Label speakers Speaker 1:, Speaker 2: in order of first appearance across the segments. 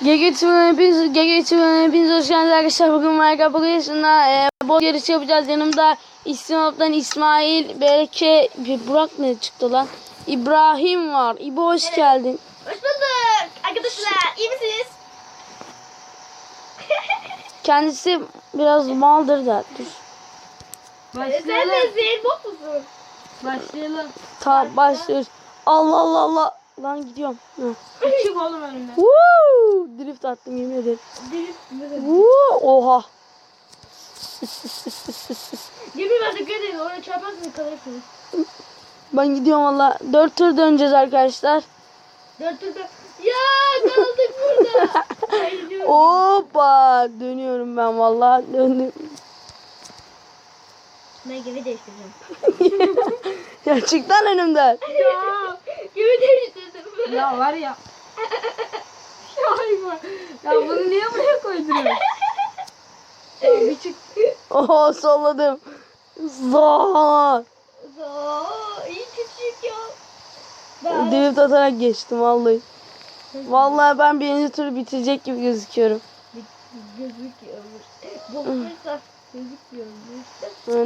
Speaker 1: Hepiniz hoş geldiniz arkadaşlar. Bugün Minecraft Pocket'ında bot yarışı yapacağız. Yanımda İsmail'den İsmail, Berke, Burak ne çıktı lan? İbrahim var. İbo hoş geldin.
Speaker 2: Hoş bulduk arkadaşlar. İyi misiniz?
Speaker 1: Kendisi biraz maldır da. Dur.
Speaker 2: Sen de zehir bot musun?
Speaker 3: Başlayalım.
Speaker 1: Tamam başlıyoruz. Allah Allah Allah. Lan gidiyorum.
Speaker 3: Çık oğlum önümden.
Speaker 1: Woo! Drift attım yemin ederim. Woo! Oha.
Speaker 2: Yemin var dikkat edin. Oraya çarparsınız kalırsınız.
Speaker 1: Ben gidiyorum valla. 4 tur döneceğiz arkadaşlar.
Speaker 2: 4 turda. Ya kaldık burada. Hayır.
Speaker 1: Hoppa. Dönüyorum ben valla. Döndüm.
Speaker 2: Ben gemi değiştireceğim.
Speaker 1: Ya çık lan önümden.
Speaker 2: Ya gemi değiştirdim.
Speaker 3: Ya var ya. Ya hayvan. Ya bunu niye buraya koyduruyorsun? Ya bir çık.
Speaker 1: Oho solladım. Zaa.
Speaker 2: İyi küçük ya. Ben
Speaker 1: Drift atarak geçtim vallahi. Vallahi ben birinci turu bitirecek gibi gözüküyorum.
Speaker 2: gözüküyor. Bokuysa gözüküyor. İşte.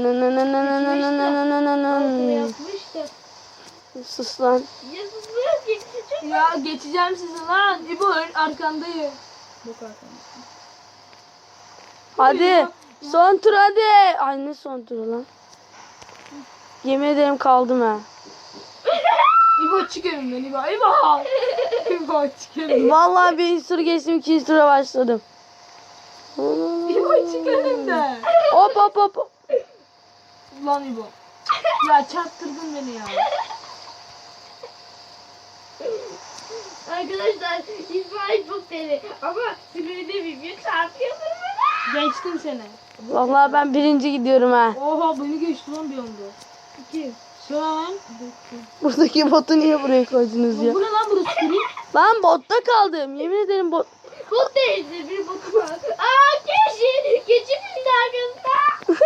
Speaker 2: Yapmış da.
Speaker 1: Sus lan.
Speaker 2: Ya susmuyor ki. Çok
Speaker 3: Ya geçeceğim sizi lan. İbo arkandayım.
Speaker 2: bok arkamda.
Speaker 1: Hadi. Son tur hadi. Ay ne son turu lan. Yemin ederim kaldım ha.
Speaker 3: İbo çık önümden İbo. İbo. İbo çık önümden.
Speaker 1: Vallahi birinci turu geçtim, ikinci tura başladım.
Speaker 3: İbo çık önümden.
Speaker 1: Hop hop hop.
Speaker 3: Lan İbo. Ya çarptırdın beni ya.
Speaker 2: Arkadaşlar İsmail çok deli ama sinirli bilmiyor çarpıyor bana.
Speaker 3: Geçtim seni.
Speaker 1: Vallahi ben birinci gidiyorum ha.
Speaker 3: Oha beni geçti lan bir anda.
Speaker 2: Kim?
Speaker 3: Sen.
Speaker 1: Buradaki botu niye buraya koydunuz ya?
Speaker 3: Bu ne lan burası kırık?
Speaker 1: Lan botta kaldım. Yemin ederim bot.
Speaker 2: Bot değildi bir botu var. Aa keçi bindi arkasında.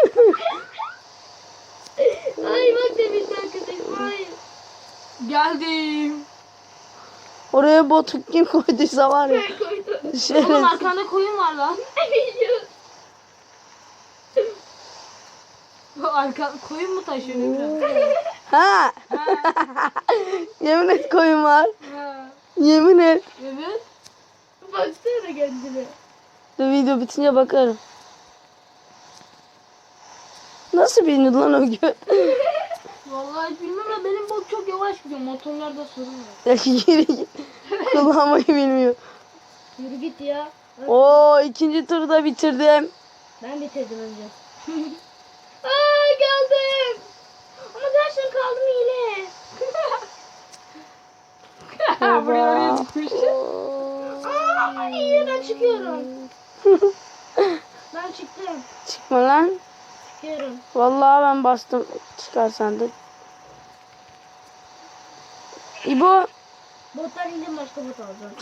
Speaker 2: Ay bak da bindi arkasında İsmail.
Speaker 3: Geldim.
Speaker 1: Oraya botu kim koyduysa var ya.
Speaker 2: Ben koydum.
Speaker 3: Oğlum
Speaker 1: Şerefsiz.
Speaker 3: arkanda koyun var lan.
Speaker 2: Biliyorum.
Speaker 3: Arka koyun mu taşıyor biraz?
Speaker 1: Ha. Yemin et koyun var.
Speaker 3: Ha.
Speaker 1: Yemin et.
Speaker 3: Evet.
Speaker 2: Baksana kendine.
Speaker 1: Dur video bitince bakarım. Nasıl bindi lan o gö?
Speaker 3: Vallahi bilmem ama benim bot çok yavaş gidiyor. Motorlarda sorun var.
Speaker 1: Ya geri git. Kullanmayı bilmiyor.
Speaker 2: Yürü git ya.
Speaker 1: Oo ikinci turda bitirdim.
Speaker 2: Ben bitirdim önce. Aa geldim. Ama gerçekten kaldım yine.
Speaker 3: Buraya oraya çıkmış.
Speaker 2: Aa iyi ben çıkıyorum. Ben çıktım.
Speaker 1: Çıkma lan.
Speaker 2: Çıkıyorum.
Speaker 1: Vallahi ben bastım. Çıkarsan da. İbo.
Speaker 2: Bottan indim başka bot alacağım.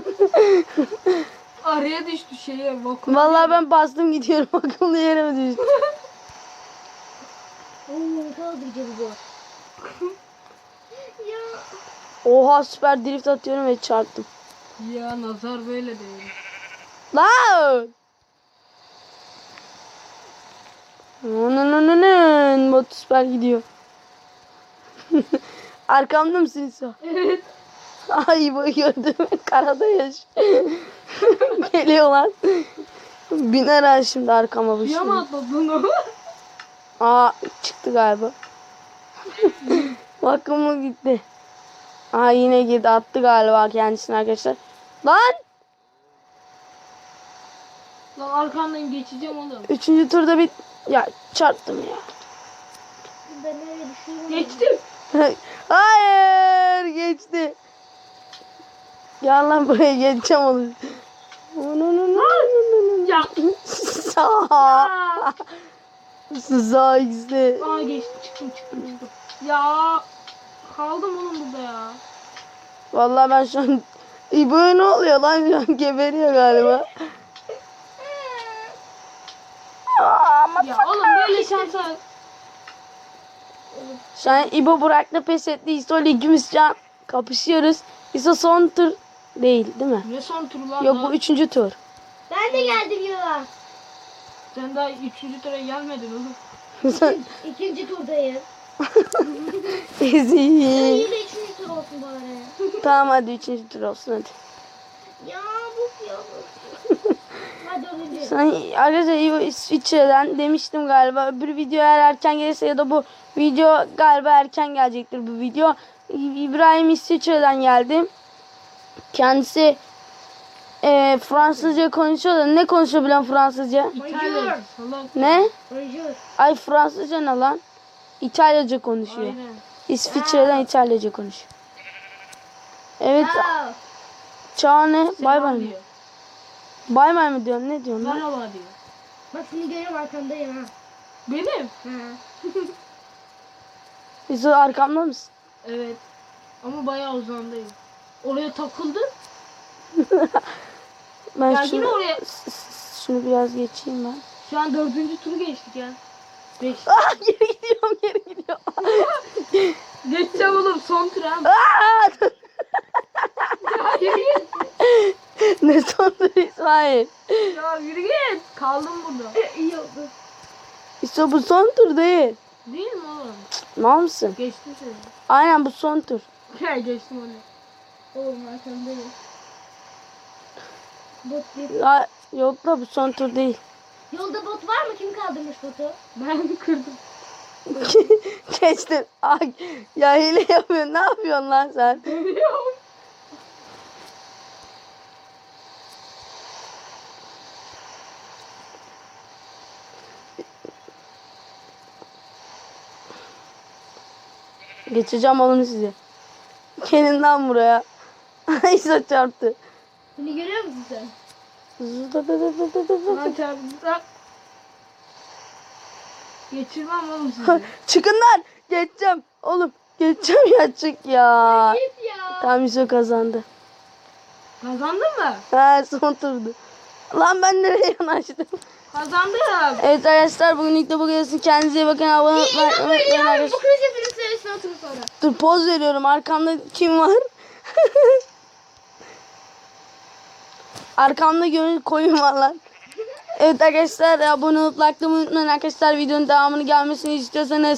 Speaker 3: Araya düştü şeye. Vakum.
Speaker 1: Vallahi ben bastım gidiyorum. Akıllı yere mi düştü?
Speaker 2: Oo kaldırıcı bu bot. Ya.
Speaker 1: Oha süper drift atıyorum ve çarptım.
Speaker 3: Ya nazar böyle değil.
Speaker 1: Lan! Bot süper gidiyor. Arkamda mısın sen?
Speaker 3: Evet.
Speaker 1: Ay bu gördüm. Karada yaş. Geliyor lan. Biner ha şimdi arkama bu
Speaker 3: Ya
Speaker 1: şimdi.
Speaker 3: mı atladın o?
Speaker 1: Aa çıktı galiba. Bakın mı gitti. Aa yine girdi, attı galiba kendisini arkadaşlar. Lan!
Speaker 3: Lan arkandan geçeceğim oğlum.
Speaker 1: Üçüncü turda bir... Ya çarptım ya.
Speaker 2: Ben öyle düşünüyorum.
Speaker 3: Geçtim.
Speaker 1: Hayır geçti. Gel lan buraya geçeceğim onu.
Speaker 3: Ya.
Speaker 1: Sağ. Sağ ikisi.
Speaker 3: Aa geçtim çıktım. Ya. Kaldım oğlum burada ya.
Speaker 1: Vallahi ben şu an İbo'ya ne oluyor lan, şu an geberiyor galiba.
Speaker 3: Ya oğlum böyle şansa.
Speaker 1: Şu an İbo Burak'la pes etti. İso ile ikimiz şu an kapışıyoruz. İso son tur Değil değil mi?
Speaker 3: Ne son turu lan?
Speaker 1: Yok
Speaker 3: daha?
Speaker 1: bu 3. tur.
Speaker 2: Ben de geldim yola.
Speaker 3: Sen daha 3. tura gelmedin oğlum.
Speaker 2: İkinci turdayım.
Speaker 1: Ezik.
Speaker 2: Yine üçüncü tur olsun bari.
Speaker 1: Tamam hadi 3. tur olsun hadi.
Speaker 2: Ya bu ya. Hadi dördüncü.
Speaker 1: Sen arkadaşlar İsviçre'den demiştim galiba. Öbür video eğer erken gelirse ya da bu video galiba erken gelecektir bu video. İbrahim İsviçre'den geldi. Kendisi Fransızca konuşuyor da ne konuşuyor bilen Fransızca?
Speaker 3: İtalya. Salak.
Speaker 1: Ne?
Speaker 2: Bonjour.
Speaker 1: Ay Fransızca ne lan? İtalyaca konuşuyor.
Speaker 3: Aynen.
Speaker 1: İsviçre'den İtalyaca konuşuyor. Evet.
Speaker 2: Aa,
Speaker 1: Çağ ne? Bay
Speaker 3: Selam
Speaker 1: bay mı?
Speaker 3: diyor.
Speaker 1: Bay bay mı diyorsun? Ne diyorsun lan?
Speaker 3: Merhaba diyor.
Speaker 2: bak seni görüyorum arkandayım ha.
Speaker 3: Benim?
Speaker 2: Ha.
Speaker 1: Biz arkamda mısın?
Speaker 3: Evet. Ama bayağı uzandayım. Oraya takıldı.
Speaker 1: Ben
Speaker 3: Ya yine
Speaker 1: şunu,
Speaker 3: oraya.
Speaker 1: şunu biraz geçeyim ben.
Speaker 3: Şu an 4. turu geçtik ya. 5.
Speaker 1: Ah geri gidiyorum geri gidiyorum.
Speaker 3: Geçeceğim oğlum son tur ha.
Speaker 1: Aa!
Speaker 3: Ya yürü git.
Speaker 1: Ne sondu İsmail?
Speaker 3: Ya yürü git. Kaldım burada.
Speaker 2: İyi oldu.
Speaker 1: İşte bu son tur değil.
Speaker 3: Değil mi oğlum?
Speaker 1: Mal mısın?
Speaker 3: Geçtim seni.
Speaker 1: Aynen bu son tur.
Speaker 3: Ya geçtim onu.
Speaker 2: Oğlum arkandayım. Bot değil.
Speaker 1: Ya, yok da bu son tur değil.
Speaker 2: Yolda bot var mı? Kim kaldırmış botu?
Speaker 3: Ben kırdım.
Speaker 1: Geçtin. Ay, ya hile yapıyorsun. Ne yapıyorsun lan sen?
Speaker 3: Biliyorum.
Speaker 1: Geçeceğim oğlum sizi. Gelin lan buraya. İsa çarptı.
Speaker 2: Beni görüyor musun sen?
Speaker 3: Lan çarptı. Geçirmem oğlum sizi.
Speaker 1: Çıkın lan. Geçeceğim. Oğlum geçeceğim ya çık ya.
Speaker 2: Git ya.
Speaker 1: Tam İso kazandı.
Speaker 3: Kazandın mı?
Speaker 1: Ha son turdu. Lan ben nereye yanaştım?
Speaker 3: Kazandım.
Speaker 1: Evet arkadaşlar bugünlük de bu gelsin. Kendinize iyi bakın. Abone olmayı unutmayın
Speaker 2: Bu
Speaker 1: arkadaşlar.
Speaker 2: kriz hepiniz söylesin oturun sonra.
Speaker 1: Dur poz veriyorum. Arkamda kim var? Arkamda gönül koyun var lan. Evet arkadaşlar abone olup likelamayı unutmayın arkadaşlar. Videonun devamını gelmesini istiyorsanız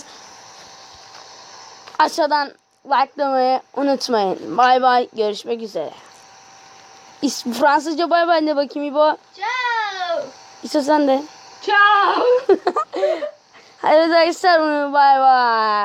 Speaker 1: aşağıdan likelamayı unutmayın. Bay bay. Görüşmek üzere. Fransızca bay bay de bakayım İbo.
Speaker 2: Ciao.
Speaker 1: İso sen de.
Speaker 3: Ciao.
Speaker 1: Evet arkadaşlar bay bay.